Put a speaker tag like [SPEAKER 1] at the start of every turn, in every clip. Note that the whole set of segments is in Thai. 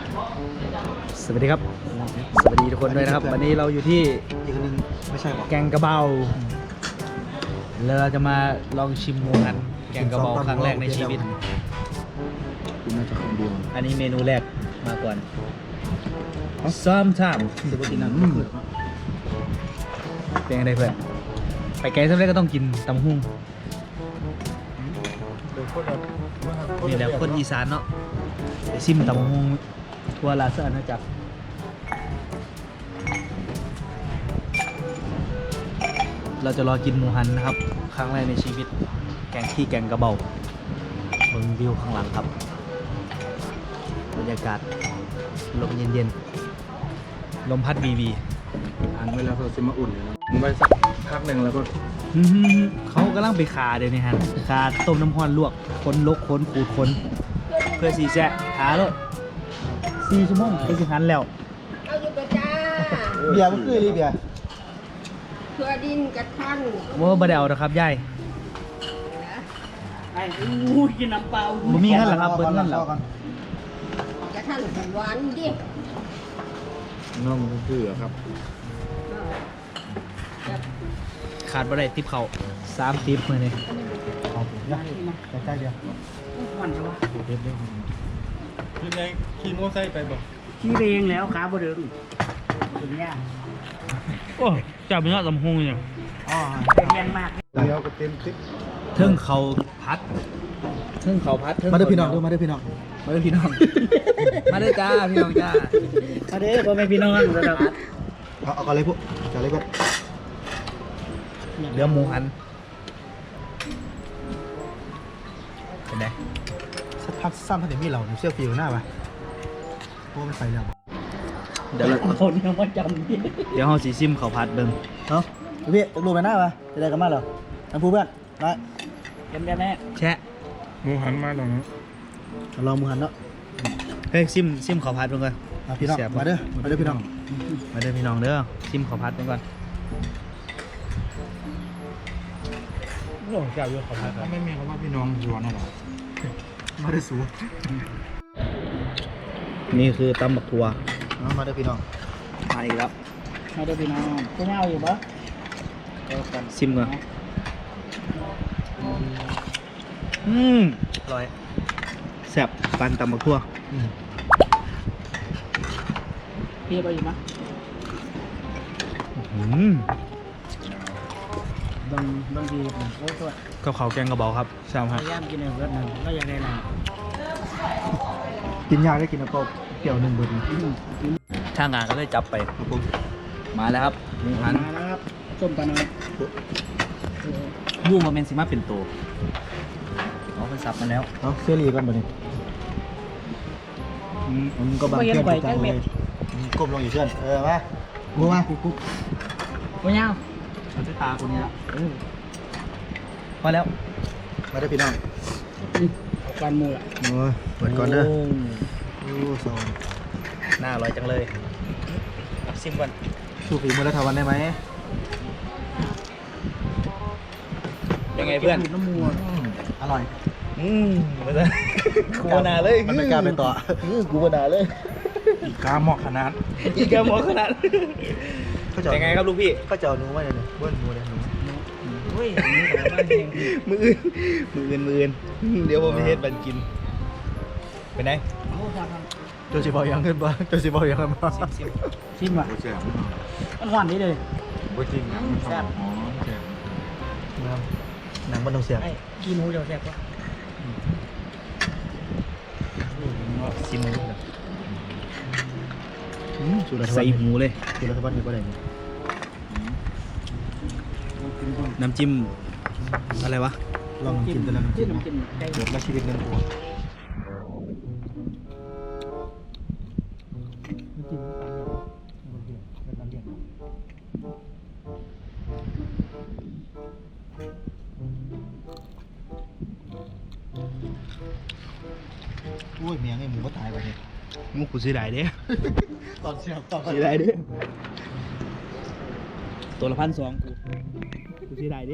[SPEAKER 1] สวัสดีครับสวัสดีทุกคนด้วยนะครับวันนี้เราอยู่ที่อีกนึงไม่ใช่แกงกระเบาแล้วเราจะมาลองชิมหมูกันแกงกระเบาครั้งแรกในชีวิตน่าจะคนเดียวอันนี้เมนูแรกมาก่อนซ้อมทำสุดที่นั่นเป็นยังไงเพื่อนไปไกลสักเล็กก็ต้องกินตำหุ่งนี่แหละคนอีสานเนาะไปซิมตำหุ่งทัวร์ลาเซอร์นะจ๊ะเราจะรอกินหมูหันนะครับครั้งแรกในชีวิตแกงกระเบาเบิ่งวิวข้างหลังครับบรรยากาศลมเย็นๆลมพัดวี
[SPEAKER 2] อันเวลาเราจะมาอุ่นมันไว้สักพักหนึ่งแล้วก็
[SPEAKER 1] เขากำลังไปคาเดี๋ยวนี้ฮะคาต้มน้ำร้อนลวกค้นลกค้นขูดค้นเพื่อสีแจ๊ะหาเลย4 ชั่วโมงไปสิหันแล้ว
[SPEAKER 3] เอาอยู่กับจ้า
[SPEAKER 1] เบียร์มันคืออะไรเบียร์
[SPEAKER 3] เพื่อดินกระท่อน
[SPEAKER 1] ว่าบะเดวนะครับยาย
[SPEAKER 3] ไอ้อู้กินน้ำเปล่า
[SPEAKER 1] บ่มีเงินเหรอครับเบิ้ลเงินเหรอก
[SPEAKER 3] ระท่อนหวานดิ
[SPEAKER 2] น้องคือครับ
[SPEAKER 1] ขาดบะได้ติบเขา3 ติบมือนี่เอาใกล้ๆเดียว
[SPEAKER 3] หวานจังวะ
[SPEAKER 2] ยังไงขี่มอเตอร์ไซค์ไปบอก
[SPEAKER 3] ขี้เรงแล้วขาบ่เดินถึงยาก
[SPEAKER 1] โอ้จับเป็นยอดลำหงเนี่ย
[SPEAKER 3] อ๋อเป็นแรงมาก
[SPEAKER 2] เดี๋ยวก็เต็มคลิป
[SPEAKER 1] เทิงเขาพัดเทิงเขาพัดมาเด้อพี่น้องมาเด้อพี่น้องมาเด้อพี่น้อง มาเด้อจ้าพี่น้องจ้า
[SPEAKER 3] มาเด้อพ่อแม่พี่น้องระดับ
[SPEAKER 1] เอาก่อนเลยพวกก่อนเลยพวกเรือหมูหันเป็นไงสักพักซ้ำถ้าเดี๋ยวมีเราเชื่อฟิวหน้าปะเพราะมันไฟแล้วเดี๋ยว
[SPEAKER 3] คนยังไม่จำดิ
[SPEAKER 1] เดี๋ยวเราสีซิมเขาพัดเบิ่ง
[SPEAKER 4] เนาะพี่รูปไปหน้าปะจะได้กันมาเหรอน้ำพูเพื่อนมา
[SPEAKER 3] เป็นได้แม่
[SPEAKER 1] แชะ
[SPEAKER 2] หมูหันมาตรงนี้
[SPEAKER 4] ลองมือหันเนาะ
[SPEAKER 1] เฮ้ยซิมเขาพัดเบิ่งก่อน
[SPEAKER 4] พี่น้อง
[SPEAKER 1] เสียบ
[SPEAKER 4] มาเด้อพี่น้อง
[SPEAKER 1] มาเด้อพี่น้องเด้อซิมเขาพัดเบิ่งก่อนโอ้เจ้าอยู่เขาพัด
[SPEAKER 2] ถ้าไม่มีคำว่าพี่น้องชวนหรอ
[SPEAKER 4] มาเด้อสู
[SPEAKER 1] นี่คือตำบักทัว
[SPEAKER 4] มาเด้อพี่น้อง
[SPEAKER 1] มาอีกแล้ว
[SPEAKER 3] มาเด้อพี่น้องจะเงาอยู่ปะ
[SPEAKER 1] ซิมก่อนอร่อยแซ่บปันตำบักทัว
[SPEAKER 3] พี่ไปอยู่ปะ บางทีโอ้ตัว
[SPEAKER 1] กับเขาวแกงกระเบาครับแซ่บ
[SPEAKER 3] พ
[SPEAKER 1] ครับ
[SPEAKER 3] ยายามกินในเพื่อนนั่นก็ยังได้นะ
[SPEAKER 4] กินยาได้กินน้ำเปล่าเปรี้ยว1 เบิร์ด
[SPEAKER 1] ช่างงานก็เลยจับไปมาแล้วครับหมูหัน
[SPEAKER 3] มาแล้วครับส้มปลาน้อย
[SPEAKER 1] มูมาเป็นซิมาเป็นโตเอาไปสับมาแล้ว
[SPEAKER 4] เอาเสื้อรีกันบ่นี่มันก็บางเพื่อนจังเลยก้มลงอยู่เพื่อนมากูมากู
[SPEAKER 3] โอ้ยเงา
[SPEAKER 1] เอาที่ตาคนนี้ละพอแล้ว
[SPEAKER 4] มาเด้อพี่น้อง
[SPEAKER 3] การมูอ่ะ
[SPEAKER 4] โอ้ยเปิดก่อนเด้อโอ้สอง
[SPEAKER 1] น่าอร่อยจังเลยเอาซิมก่อน
[SPEAKER 4] สู้ฝีมือรัฐวันได้ไหม
[SPEAKER 1] ยังไงเพื่อน
[SPEAKER 3] น้ำมูอ่ะ
[SPEAKER 4] อร่อย
[SPEAKER 1] มาเลยกูบนาเลย
[SPEAKER 4] มันไม่กล้าไปต่อกูบนาเลย
[SPEAKER 2] อีกกาหมอกขนาด
[SPEAKER 1] อีกแกมองขนาดยังไงครับลูกพี่
[SPEAKER 4] ก็จะเอาหนูมาเลยเบิ้ลหนูเลยหนู
[SPEAKER 3] เฮ้ยนี่แต่ว่าเอง
[SPEAKER 1] มืออื่นเดี๋ยวผมไปเฮ็ดบันกินเป็นไง
[SPEAKER 3] โอ้ครับ
[SPEAKER 4] โจสิบอยังขึ้นบ้างโจสิบอยังขึ้นบ้าง
[SPEAKER 1] ซิม
[SPEAKER 3] ชิมว่ะ
[SPEAKER 2] โอ้แซ่บ
[SPEAKER 3] มันหวานนี่เลย
[SPEAKER 2] โอ้จริงนะมันแซ่บอ๋อแซ่บ
[SPEAKER 4] หนังมันต้องเสียบ
[SPEAKER 3] ไอ้กินหมูเดี๋ยวแซ่บปะ
[SPEAKER 1] ซิมเลย
[SPEAKER 4] สูตรรัฐบา
[SPEAKER 1] ใส่
[SPEAKER 4] ล
[SPEAKER 1] หูเลย
[SPEAKER 4] สูตรรัฐบาลอยู่ก็ได้
[SPEAKER 1] น้ำจิ้มอะไรวะ
[SPEAKER 4] ลองกินแต่ละน้ำจิ้ม
[SPEAKER 3] น้ำจิ้มไก่
[SPEAKER 4] เดี๋ยวมาชีวิตเงินกูโอ้ยเมียไอ้หมูก็ตายไปเนี่ย
[SPEAKER 1] มุกกูซื้อได้เด้
[SPEAKER 4] ตอนเสียบตอน
[SPEAKER 1] ซื้อได้เด้ตัวละ1,200กูซื้อได้เด้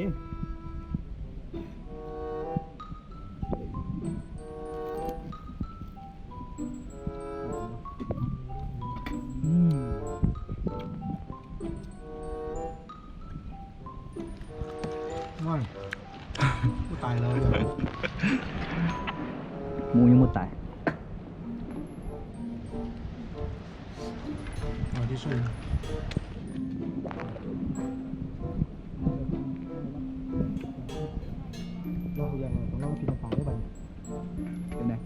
[SPEAKER 1] มูยังมุดตาย
[SPEAKER 4] เอาที่สุดเราอย่างเราต้องกินน้ำปลาได้บ้าง
[SPEAKER 1] เป็นไง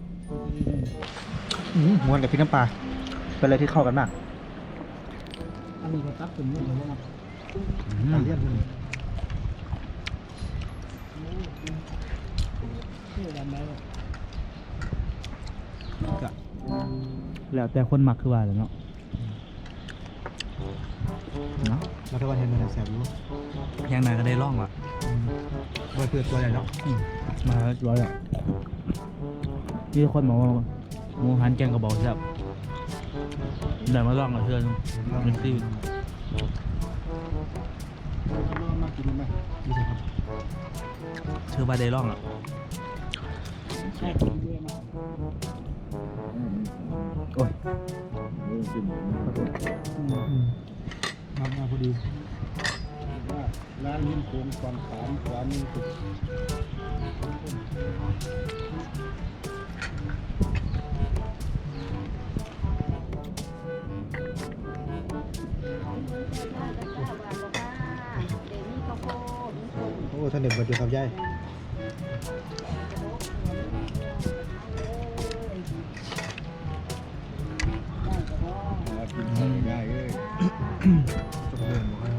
[SPEAKER 4] ม้วนกับพริกน้ำปลาเป็นอะไรที่เข้ากันมาก
[SPEAKER 3] อันนี้ก็ตักถึงนี่เลยนะ
[SPEAKER 4] ตาเลี่ยนขึ้น
[SPEAKER 3] ชื่อดำแล้ว
[SPEAKER 1] แล้วแต่คนมักคือว่าเลยเนาะเนาะ
[SPEAKER 4] เราถ้าว่าเห็นมันแสบรู้
[SPEAKER 1] ยังไงก็ได้ร่องละ
[SPEAKER 4] ว่าเพื่อตัวใหญ่เนาะ
[SPEAKER 1] มาร้อยอ่ะที่คนบอกว่าหมูหันแกงกระบอกแซ่บเดี๋ยวมาลองกับเพื่อนมันคือ
[SPEAKER 3] มากินไหม
[SPEAKER 4] นี่สิครับ
[SPEAKER 1] เชื่อว่าได้ร่องอ่ะ
[SPEAKER 3] ใช่กินด้วยมา
[SPEAKER 1] โอ้ย
[SPEAKER 4] มาพอดี
[SPEAKER 3] ร้านลิ้นโค้งความสามความมีสุด
[SPEAKER 4] โอ้ท่านเด็กบัดอยู่ครับยายได้เลยจบเดินหมดแล้ว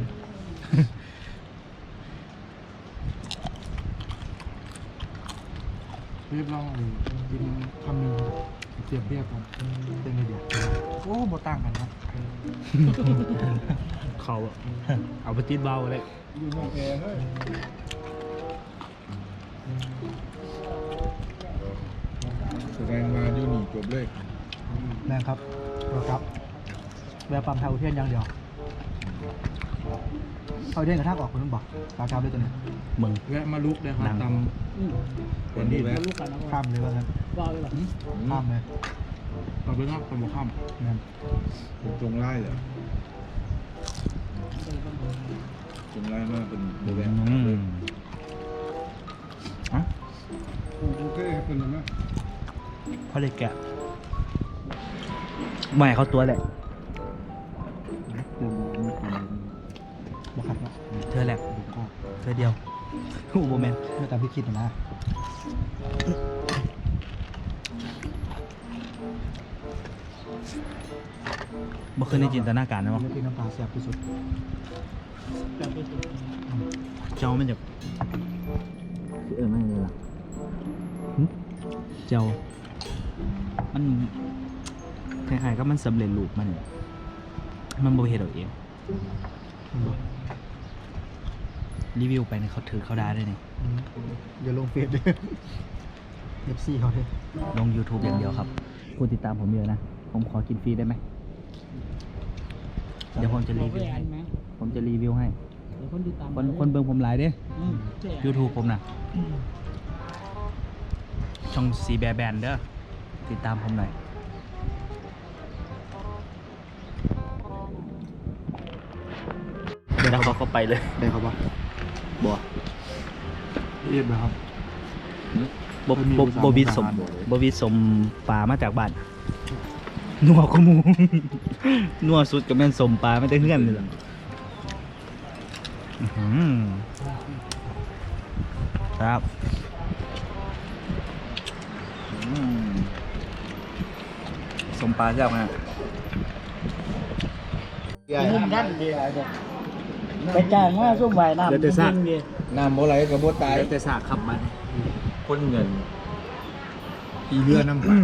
[SPEAKER 4] เรียบร้อยกินคำนึงเสียบเรียบก่อนเป็นไงเดียวโอ้บ่ต่างกันครับ
[SPEAKER 1] เขาอะเอาไปติดเบาเลย
[SPEAKER 4] อยู่นอกแอร์เฮ้ย
[SPEAKER 2] แสดงมาอยู่นี่จบเลย
[SPEAKER 4] แรงครับรถครับแวะปั๊มทางอุเทนอย่างเดียวเอาเด่นกระทั่งออกคนนึงบอกตาครับด้วยตัวนี้
[SPEAKER 1] มึง
[SPEAKER 2] แวะมาลุกเลยครับ
[SPEAKER 1] นั่ง
[SPEAKER 2] ตำคนนี้แวะ
[SPEAKER 3] ลูกกันนะ
[SPEAKER 4] ข้ามเลยว่างั้น
[SPEAKER 3] ว่าเลยหรอ
[SPEAKER 4] ข้ามเลย
[SPEAKER 2] ตำไปนอกตำบกข้าม
[SPEAKER 4] นั่น
[SPEAKER 2] ตรงไล่เลยตรงไล่มากเป็นโบแวะ
[SPEAKER 1] อ่ะ
[SPEAKER 2] โอเคเป็นยังไง
[SPEAKER 1] เขาเลยแกะไม่เขาตัวแหละ
[SPEAKER 4] บอกครับเนาะ
[SPEAKER 1] เธอแหละเธอเดียวโอ้โหแมน
[SPEAKER 4] ไม่ตามพี่คิดนะ
[SPEAKER 1] เมื่อคืนในจินตนาการนะมั้ง
[SPEAKER 4] ไม่พี่น้ำปลาแซ่บที่สุด
[SPEAKER 3] แบบไปสุด
[SPEAKER 1] เจ้ามันจะไม่เลยล่ะเจ้ามันคล้ายๆก็มันสำเร็จรูปมันเนี่ยมันบริเหตุเอาเองรีวิวไปเนี่ยเขาถือเขาได้ด้วยนี่
[SPEAKER 4] อย่าลงเฟซเลยเอฟซีเขาเลย
[SPEAKER 1] ลง YouTube อย่างเดียวครับคุณติดตามผมเยอะนะ ผมขอกินฟรีได้ไหม เดี๋ยวผมจะรีวิวให้
[SPEAKER 3] ไหม
[SPEAKER 1] ผมจะรีวิวให้
[SPEAKER 3] เดี๋ยวคนติดตาม
[SPEAKER 1] คนเบิ่งผมหลายเด้ YouTube ผมนะช่องซีแบร์แบนเด้อ ติดตามผมหน่อย แล้วเขาก็ไปเลย
[SPEAKER 4] ได้ครับว่า
[SPEAKER 1] บัว
[SPEAKER 4] เรียบร้อยครับ
[SPEAKER 1] บวิสมปลามาจากบ้าน นัวขมู นัวสุดกับแม่นสมปลาไม่ได้เฮือนเลยล่ะอื้อหือครับสมปลาเจ้าไง
[SPEAKER 3] นุ่มนั่นดีไปจ้างว่าส้มใบน้ำดี
[SPEAKER 2] น้ำโบไหลกับโบตาย
[SPEAKER 1] แต่สากขับมัน
[SPEAKER 2] คนเงิน
[SPEAKER 4] อีเรือน้ำปลา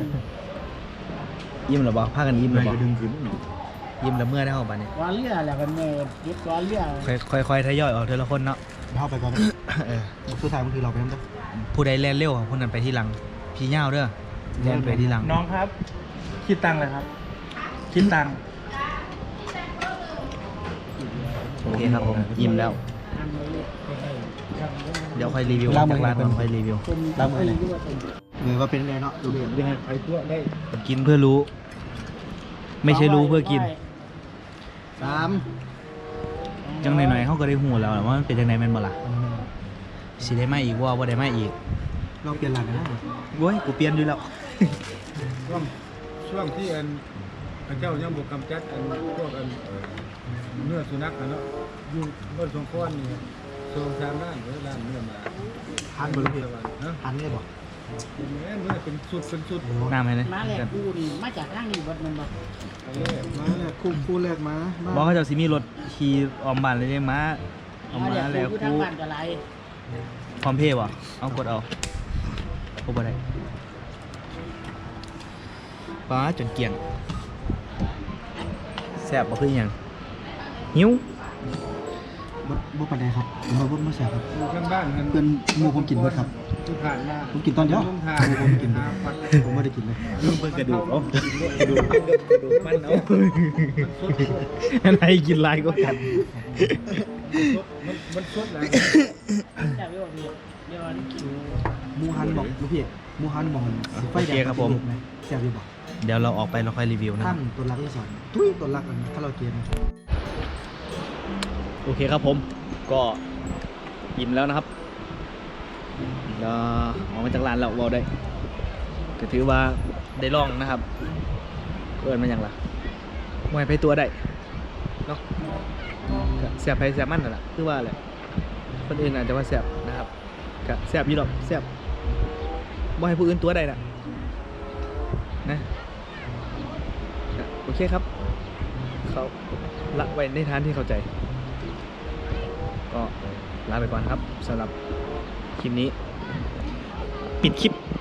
[SPEAKER 1] ยิ้มหรือเปล่าพากันยิ้มหรือเป
[SPEAKER 2] ก็
[SPEAKER 1] ล่า
[SPEAKER 2] ดึงขึ้น
[SPEAKER 1] ยิ้มแล้วเมื่อได้เข้าบ้านนี่
[SPEAKER 3] ว่าเลี้ยแหละกันเมื่อยึดว่าเลี้ย
[SPEAKER 1] ค่อยๆทยอยออกทีละคนเนาะ
[SPEAKER 4] เข้าไปก่อน
[SPEAKER 1] เออ
[SPEAKER 4] สุดท้ายบางทีเราไปน้ำตก
[SPEAKER 1] ผู้ใดแล่นเร็วคนนั้นไปที่หลัง พี่เง่าเด้อแล่นไปที่หลัง
[SPEAKER 3] น้องครับ คิดตังค์เลยครับ คิดตังค์
[SPEAKER 1] โอเคครับผมยิ้มแล้ว เดี๋ยวค่อยรีวิว
[SPEAKER 4] ล้า
[SPEAKER 1] จาง
[SPEAKER 4] มื
[SPEAKER 1] ก
[SPEAKER 4] อ
[SPEAKER 1] ร้านก่อนค่อยรีวิว
[SPEAKER 4] ล้างมือเลยว่าเป็นไงเนาะดูดิยังไงไปทั่วได้
[SPEAKER 1] กินเพื่อรู้ ไม่ใช่รู้เพื่อกิน
[SPEAKER 4] 3
[SPEAKER 1] จังหน่อยๆเขาก็ได้หูแล้วว่ามันเป็นจังไหนแม่นบ่ล่ะสิได้มาอีกว่าบ่ได้มาอีก
[SPEAKER 4] ลองเปลี่ยนหลังกันนะ
[SPEAKER 1] โว้ยกูเปลี่ยนอยู่แล้ว
[SPEAKER 2] ช่วงที่พระเจ้ายังบุกกำจัดพวกเนื้อสุนัขเนาะอยู่บนสงขลานี่โซนทางด้านเนื้อมา
[SPEAKER 4] ทานบ่ลูกพี่
[SPEAKER 2] นะ
[SPEAKER 4] ทานได้บ่
[SPEAKER 2] เนื้อเป็นสุด
[SPEAKER 1] น้ำไหมเนี่ย
[SPEAKER 3] มาแหลกกูนี่มาจากทางนี้เบิดมันบ่
[SPEAKER 4] มาแรกคู่แรกมา
[SPEAKER 1] บอกเขาเจะสิมีรถขี่ออมบ้านเลยเนี่ยม้าเอา
[SPEAKER 3] มา
[SPEAKER 1] มา
[SPEAKER 3] แหลก
[SPEAKER 1] แล้ว
[SPEAKER 3] กูทาง
[SPEAKER 1] กู
[SPEAKER 3] บ้านก็ไร
[SPEAKER 1] พร้อมเพย์บ่เอากดเอากดบ่ได้ป้าจนเกลี่ยงแซ่บบ่คือหยังหิว
[SPEAKER 4] บ่ปานใดครับผมว่าบ่มาแซ่บครับ
[SPEAKER 2] อยู่ข้างบ้าน
[SPEAKER 4] เพิ่นหมู่ผมกินเบิดครับ
[SPEAKER 2] ที่ผ่านมา
[SPEAKER 4] ผมกินตอนเดียว
[SPEAKER 2] ทา
[SPEAKER 4] หมู่ผมกินเบิดผมบ่ได้กินเลย
[SPEAKER 1] เพิ่งกระดูกเอากระดูกมันเอาอะไรกินลายก็กัน
[SPEAKER 2] มันสุดแล้ว
[SPEAKER 3] แต่ไม่บอกพี่เดี๋ยวนี้กิน
[SPEAKER 4] หมูหันบอกลูกพี่หมูหันบอกมันสิไฟแดงแซ่บอยู่บ่
[SPEAKER 1] เดี๋ยวเราออกไปเราค่อยรีวิวนะค
[SPEAKER 4] ท่า
[SPEAKER 1] รับ
[SPEAKER 4] นตัวรักที่สอนตุ้ยตัวรักอันถ้าเราเกม
[SPEAKER 1] โอเคครับผมก็อิ่มแล้วนะครับเราออกมาจากร้านเราเราได้ก็ถือว่าได้ลองนะครับเกินมาอย่างละมวยไปตัวได้เนาะก็แสบไปแสบมันนั่นแหละคือว่าแหละคนอื่นอาจจะว่าแสบนะครับก็แสบอยู่หรอกแสบบ่ให้ผู้อื่นตัวได้นะนะก็โอเคครับเขาละไว้ในฐานที่เข้าใจก็ลาไปก่อนครับสำหรับคลิปนี้ปิดคลิป